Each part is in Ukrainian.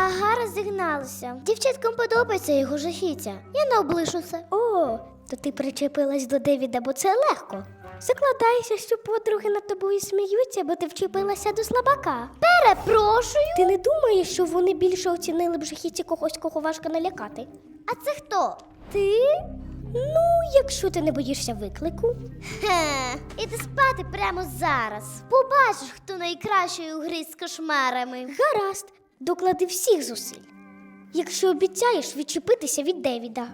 Ага, розігналися. Дівчаткам подобається його жахіття. Я не облишу це. О, то ти причепилась до Девіда, бо це легко. Закладайся, що подруги над тобою сміються, бо ти вчепилася до слабака. Перепрошую. Ти не думаєш, що вони більше оцінили б жахіття когось, кого важко налякати? А це хто? Ти? Ну, якщо ти не боїшся виклику. Хе, іди спати прямо зараз. Побачиш, хто найкращий у грі з кошмарами. Гаразд, доклади всіх зусиль. Якщо обіцяєш відчепитися від Девіда.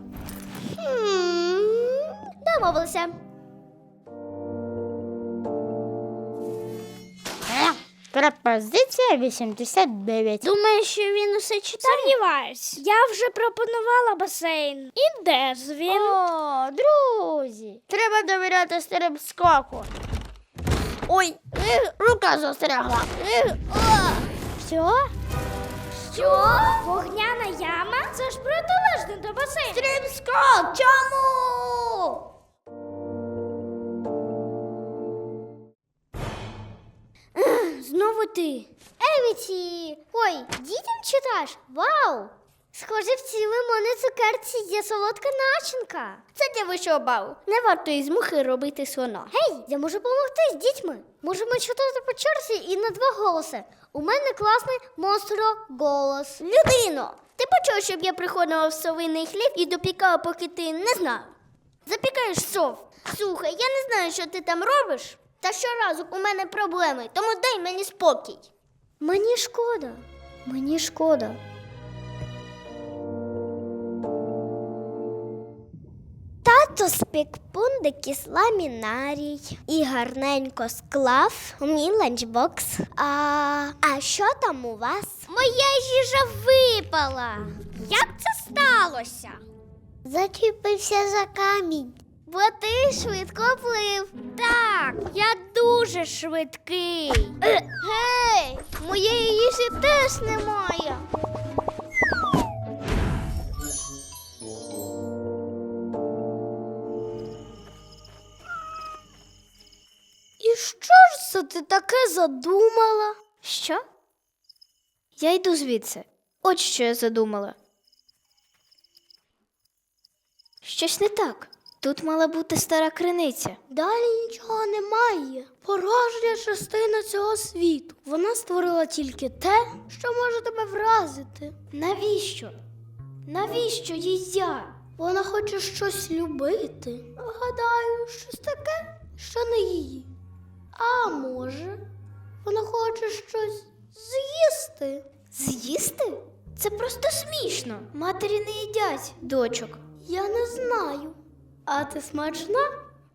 Домовилися. Пропозиція 89. Думаєш, що він усе читає? Сумніваюсь. Я вже пропонувала басейн. І де ж він? О, друзі, треба довіряти стрибскоку. Ой, рука застрягла. Що? Що? Вогняна яма? Це ж протилежне до басейну. Стрибскок, чому? Знову ти. Евіті! Ой, дітям читаєш? Вау! Схоже, в цій лимонній цукерці є солодка начинка. Це для вищого балу. Не варто із мухи робити слона. Гей, я можу допомогти з дітьми. Можемо читати по черзі і на два голоси. У мене класний монстро-голос. Людино, ти почув, щоб я приходила в совиний хліб і допікала, поки ти не знав? Запікаєш сов. Слухай, я не знаю, що ти там робиш. Та щоразу у мене проблеми, тому дай мені спокій. Мені шкода. Мені шкода. Тато спік пундики з ламінарій і гарненько склав у мій ланчбокс. А що там у вас? Моя їжа випала. Як це сталося? Зачепився за камінь. Бо ти швидко плив. Так, я дуже швидкий. Гей, моєї їжі теж немає. І що ж це ти таке задумала? Що? Я йду звідси. От що я задумала. Щось не так. Тут мала бути стара криниця. Далі нічого немає. Порожня частина цього світу. Вона створила тільки те, що може тебе вразити. Навіщо? Навіщо їй я? Вона хоче щось любити. Гадаю, щось таке, що не її. А може, вона хоче щось з'їсти. З'їсти? Це просто смішно. Матері не їдять дочок. Я не знаю. А ти смачна?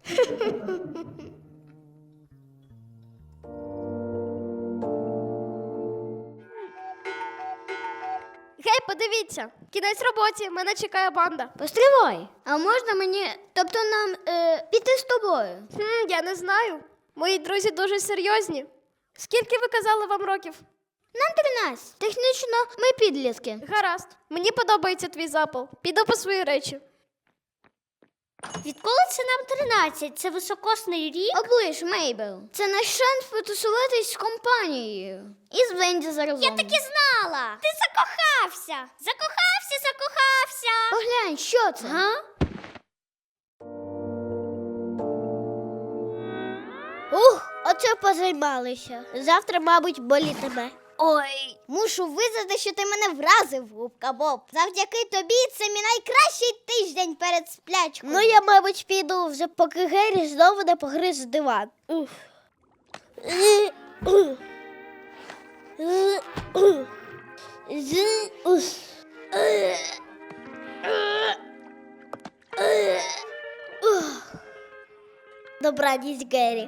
Гей, подивіться, кінець роботі, мене чекає банда. Постривай. А можна мені, тобто нам піти з тобою? Я не знаю. Мої друзі дуже серйозні. Скільки ви казали вам років? Нам 13. Технічно ми підлітки. Гаразд. Мені подобається твій запал. Піду по свої речі. Відколи це нам 13? Це високосний рік? Оближ, Мейбл. Це наш шанс потусуватись з компанією. І з Венді заразом. Я так і знала. Ти закохався. Закохався. Поглянь, що це? Га? Оце позаймалися. Завтра, мабуть, болітиме. Ой, мушу визнати, що ти мене вразив, губка Боб. Завдяки тобі це мій найкращий тиждень перед сплячкою. Ну, я, мабуть, піду вже, поки Геррі знову не погриз диван. Добраніч, Геррі.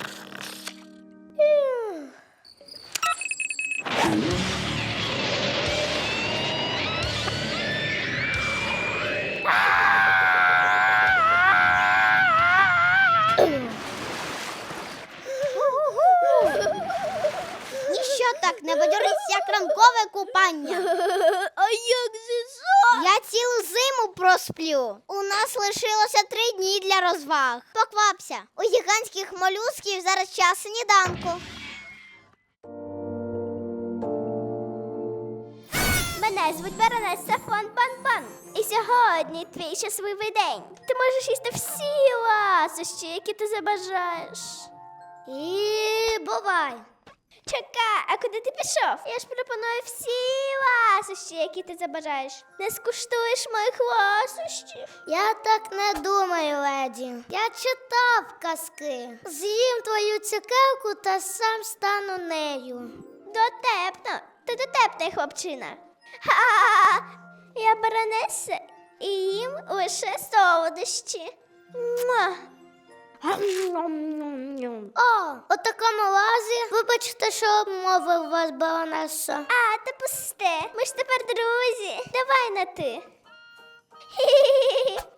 Ніщо так не бадьорить, як ранкове купання. А як же що? Я цілу зиму просплю. У нас лишилося 3 дні для розваг. Поквапся. У гігантських молюсків зараз час сніданку. Мене звуть Баронеса фон Пан-Пан. І сьогодні твій щасливий день. Ти можеш їсти всі ласощі, які ти забажаєш. І бувай. Чекай, а куди ти пішов? Я ж пропоную всі ласощі, які ти забажаєш. Не скуштуєш моїх ласощів? Я так не думаю, леді. Я читав казки. З'їм твою цукерку та сам стану нею. Дотепно. Ти дотепний хлопчина. Ха-ха-ха. Я баронеса і їм лише солодощі. Муа. О, у такому разі, вибачте, що обмовив вас, баронесо. А, та пусте, ми ж тепер друзі. Давай на ти. Хі-хі-хі.